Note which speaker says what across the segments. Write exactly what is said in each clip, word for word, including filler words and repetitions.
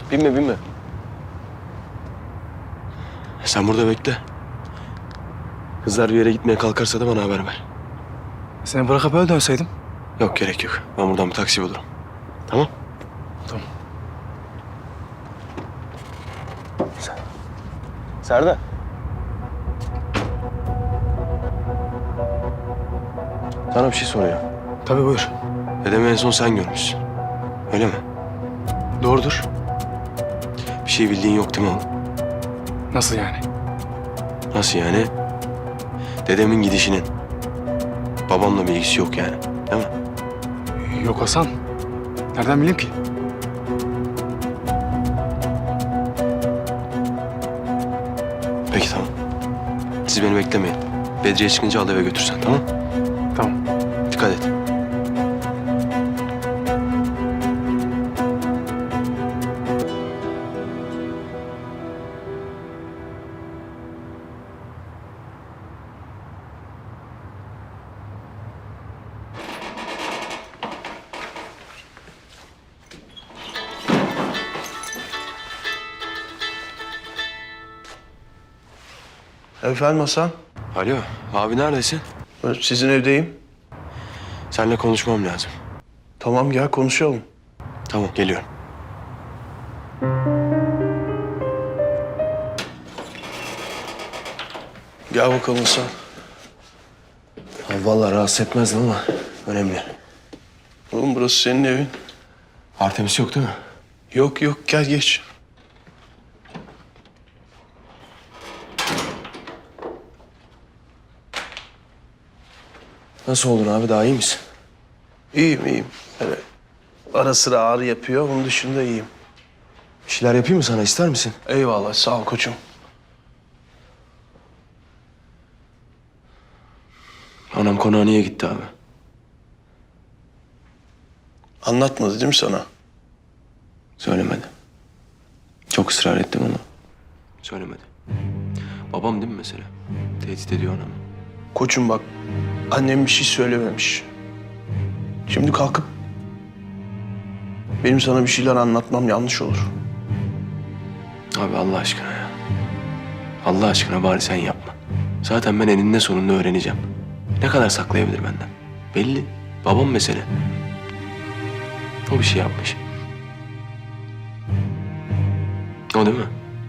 Speaker 1: Binme binme. Sen burada bekle. Kızlar bir yere gitmeye kalkarsa da bana haber ver.
Speaker 2: Seni bırakıp öyle dönseydim.
Speaker 1: Yok gerek yok. Ben buradan bir taksi bulurum. Tamam?
Speaker 2: Tamam.
Speaker 1: Serdar. Sana bir şey soruyor.
Speaker 2: Tabii buyur.
Speaker 1: Dedemi en son sen görmüşsün. Öyle mi?
Speaker 2: Doğrudur.
Speaker 1: Bir şey bildiğin yok değil mi oğlum?
Speaker 2: Nasıl yani?
Speaker 1: Nasıl yani? Dedemin gidişinin babamla bir ilgisi yok yani. Değil mi?
Speaker 2: Yok Hasan. Nereden bileyim ki?
Speaker 1: Peki tamam. Siz beni beklemeyin. Bedriye çıkınca al eve götürsen tamam?
Speaker 2: Tamam.
Speaker 1: Dikkat et.
Speaker 3: Efendim Hasan,
Speaker 1: Alo abi neredesin?
Speaker 3: ben sizin evdeyim.
Speaker 1: Seninle konuşmam lazım.
Speaker 3: Tamam gel konuşalım.
Speaker 1: Tamam geliyorum.
Speaker 3: Gel bakalım Hasan.
Speaker 1: Abi vallahi rahatsız etmezdim ama önemli.
Speaker 3: Oğlum burası senin evin.
Speaker 1: Artemis yok değil mi?
Speaker 3: Yok yok gel geç.
Speaker 1: Nasıl oldun abi daha iyi misin?
Speaker 3: İyiyim iyiyim. Öyle ara sıra ağrı yapıyor, onun dışında iyiyim.
Speaker 1: Bir şeyler yapayım mı sana ister misin?
Speaker 3: Eyvallah sağ ol koçum.
Speaker 1: Anam konağa niye gitti abi?
Speaker 3: Anlatmadı değil mi sana?
Speaker 1: Söylemedi. Çok ısrar ettim ama söylemedi. Babam değil mi mesela? Tehdit ediyor anamı.
Speaker 3: Koçum bak, annem bir şey söylememiş. Şimdi kalkıp benim sana bir şeyler anlatmam yanlış olur.
Speaker 1: Abi Allah aşkına ya. Allah aşkına bari sen yapma. Zaten ben eninde sonunda öğreneceğim. Ne kadar saklayabilir benden? Belli. Babam mesele. O bir şey yapmış. O değil mi?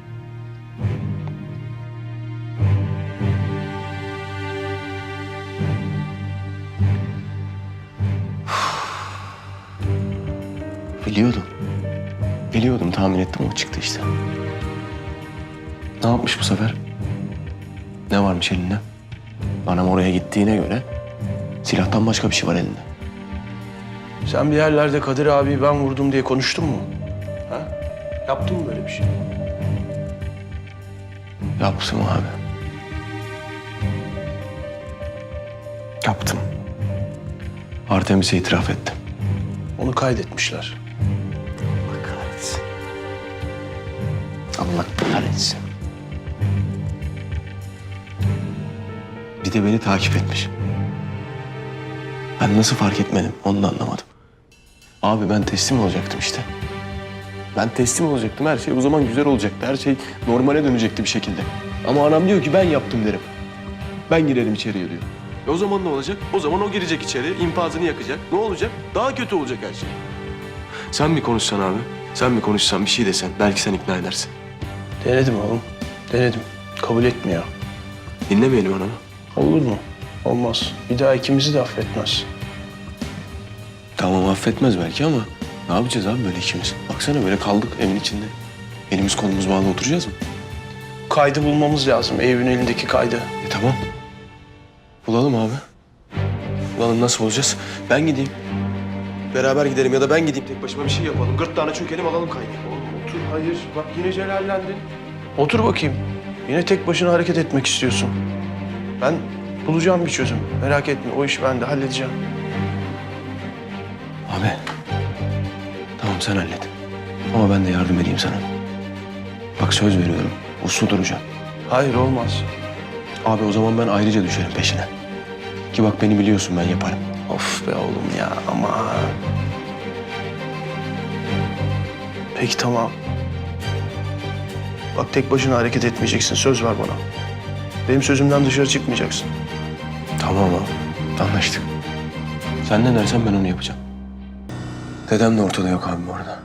Speaker 1: Biliyordum. Biliyordum, tahmin ettim o çıktı işte. Ne yapmış bu sefer? Ne varmış elinde? Anam oraya gittiğine göre silahtan başka bir şey var elinde.
Speaker 3: Sen bir yerlerde Kadir abi ben vurdum diye konuştun mu? Ha? Yaptın mı böyle bir şey?
Speaker 1: Yaptım abi. Yaptım. Artemis'e itiraf ettim.
Speaker 3: Onu kaydetmişler.
Speaker 1: Allah kahretsin. Allah kahretsin. Bir de beni takip etmiş. Ben nasıl fark etmedim onu da anlamadım. Abi ben teslim olacaktım işte. Ben teslim olacaktım. Her şey o zaman güzel olacaktı. Her şey normale dönecekti bir şekilde. Ama anam diyor ki ben yaptım derim. Ben girerim içeriye diyor. E o zaman ne olacak? O zaman o girecek içeri, infazını yakacak. Ne olacak? Daha kötü olacak her şey. Sen mi konuşsan abi? Sen mi konuşsan bir şey desen belki sen ikna edersin.
Speaker 3: Denedim oğlum. Denedim. Kabul etmiyor.
Speaker 1: Dinlemeyelim anamı.
Speaker 3: Olur mu? Olmaz. Bir daha ikimizi de affetmez.
Speaker 1: Tamam affetmez belki ama ne yapacağız abi böyle ikimiz? Baksana böyle kaldık evin içinde. Elimiz kolumuz bağlı oturacağız mı?
Speaker 3: Kaydı bulmamız lazım. Evin elindeki kaydı.
Speaker 1: E tamam. Bulalım abi. Bulalım nasıl bulacağız? Ben gideyim. Beraber gidelim ya da ben gideyim tek başıma bir şey yapalım. Gırtlağına çökelim alalım kaydı.
Speaker 3: Oğlum otur. Hayır. Bak yine celallendin. Otur bakayım. Yine tek başına hareket etmek istiyorsun. Ben bulacağım bir çözüm. Merak etme. O işi ben de halledeceğim.
Speaker 1: Abi. Tamam sen hallet. Ama ben de yardım edeyim sana. Bak söz veriyorum. Uslu duracağım.
Speaker 3: Hayır olmaz.
Speaker 1: Abi o zaman ben ayrıca düşerim peşine. Ki bak beni biliyorsun ben yaparım.
Speaker 3: Of be oğlum ya ama. Peki tamam. Bak tek başına hareket etmeyeceksin. Söz ver bana. Benim sözümden dışarı çıkmayacaksın.
Speaker 1: Tamam abi. Anlaştık. Sen ne dersen ben onu yapacağım. Dedem de ortada yok abi bu arada.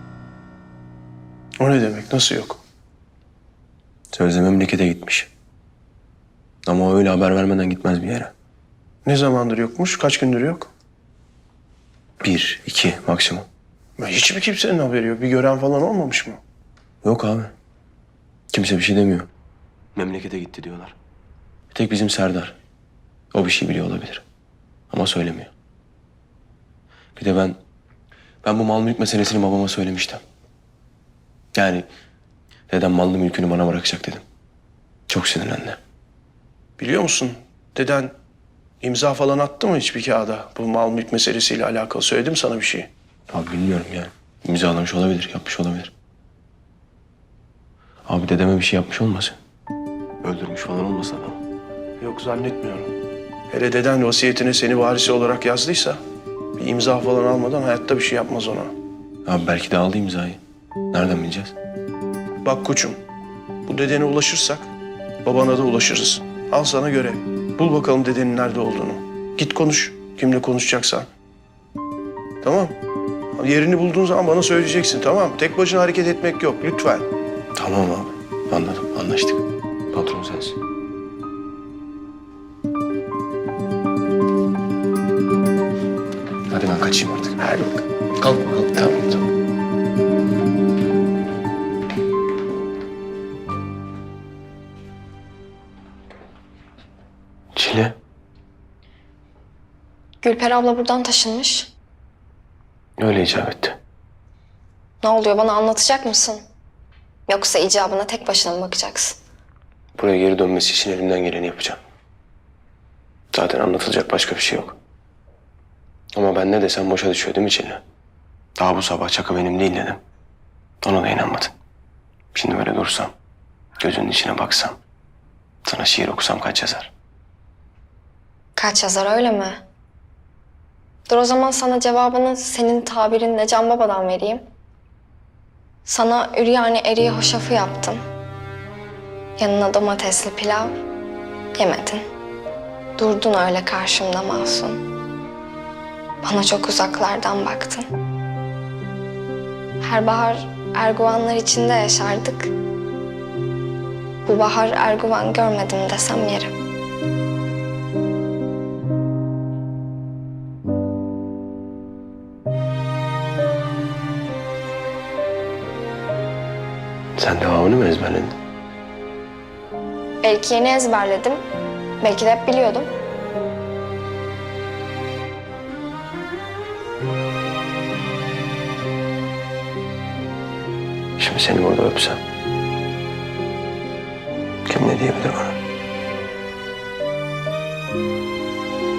Speaker 3: O ne demek? Nasıl yok?
Speaker 1: Sözde memlekete gitmiş. Ama o öyle haber vermeden gitmez bir yere.
Speaker 3: Ne zamandır yokmuş? Kaç gündür yok?
Speaker 1: Bir, iki maksimum.
Speaker 3: Ya hiç mi kimsenin haberi yok? Bir gören falan olmamış mı?
Speaker 1: Yok abi. Kimse bir şey demiyor. Memlekete gitti diyorlar. Bir tek bizim Serdar. O bir şey biliyor olabilir. Ama söylemiyor. Bir de ben... Ben bu mal mülk meselesini babama söylemiştim. Yani dedem mallı mülkünü bana bırakacak dedim. Çok sinirlendi.
Speaker 3: Biliyor musun? Deden imza falan attı mı hiçbir kağıda? Bu mal mülk meselesiyle alakalı söyledim sana bir şey.
Speaker 1: Abi bilmiyorum yani. İmzalamış olabilir, yapmış olabilir. Abi dedeme bir şey yapmış olmasın? Öldürmüş falan olmasın adamı?
Speaker 3: Yok zannetmiyorum. Hele deden vasiyetine seni varisi olarak yazdıysa... ...bir imza falan almadan hayatta bir şey yapmaz ona.
Speaker 1: Abi belki de aldı imzayı. Nereden bileceğiz?
Speaker 3: Bak koçum, bu dedene ulaşırsak babana da ulaşırız. Al sana görev. Bul bakalım dedenin nerede olduğunu. Git konuş, kimle konuşacaksan. Tamam. Yerini bulduğun zaman bana söyleyeceksin, tamam mı? Tek başına hareket etmek yok, lütfen.
Speaker 1: Tamam abi. Anladım, anlaştık. Patron sensin. Hadi ben kaçayım artık.
Speaker 3: Hadi bakalım.
Speaker 1: Kalk bakalım. Tamam, tamam. Çile.
Speaker 4: Gülper abla buradan taşınmış.
Speaker 1: Öyle icap etti.
Speaker 4: Ne oluyor, bana anlatacak mısın? Yoksa icabına tek başına mı bakacaksın?
Speaker 1: Buraya geri dönmesi için elimden geleni yapacağım. Zaten anlatılacak başka bir şey yok. Ama ben ne desem boşa düşüyor değil mi Çile? Daha bu sabah Çaka benim değil dedim. Ona da inanmadın. Şimdi böyle dursam, gözünün içine baksam, sana şiir okusam kaç yazar?
Speaker 4: Kaç yazar, öyle mi? Dur o zaman sana cevabını senin tabirinle Can Baba'dan vereyim. Sana üryani eriği hoşafı yaptım. Yanına domatesli pilav. Yemedin. Durdun öyle karşımda masum. Bana çok uzaklardan baktın. Her bahar erguvanlar içinde yaşardık. Bu bahar erguvan görmedim desem yerim.
Speaker 1: Sen devamını mı ezberledin?
Speaker 4: Belki yeni ezberledim. Belki de hep biliyordum.
Speaker 1: Şimdi seni burada öpsem. Kim ne diyebilir bana?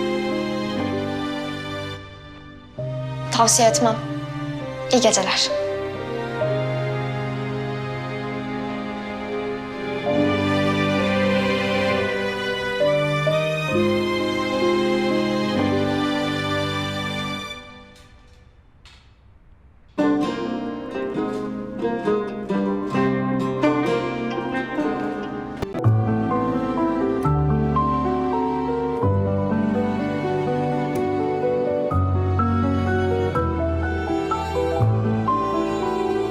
Speaker 4: Tavsiye etmem. İyi geceler.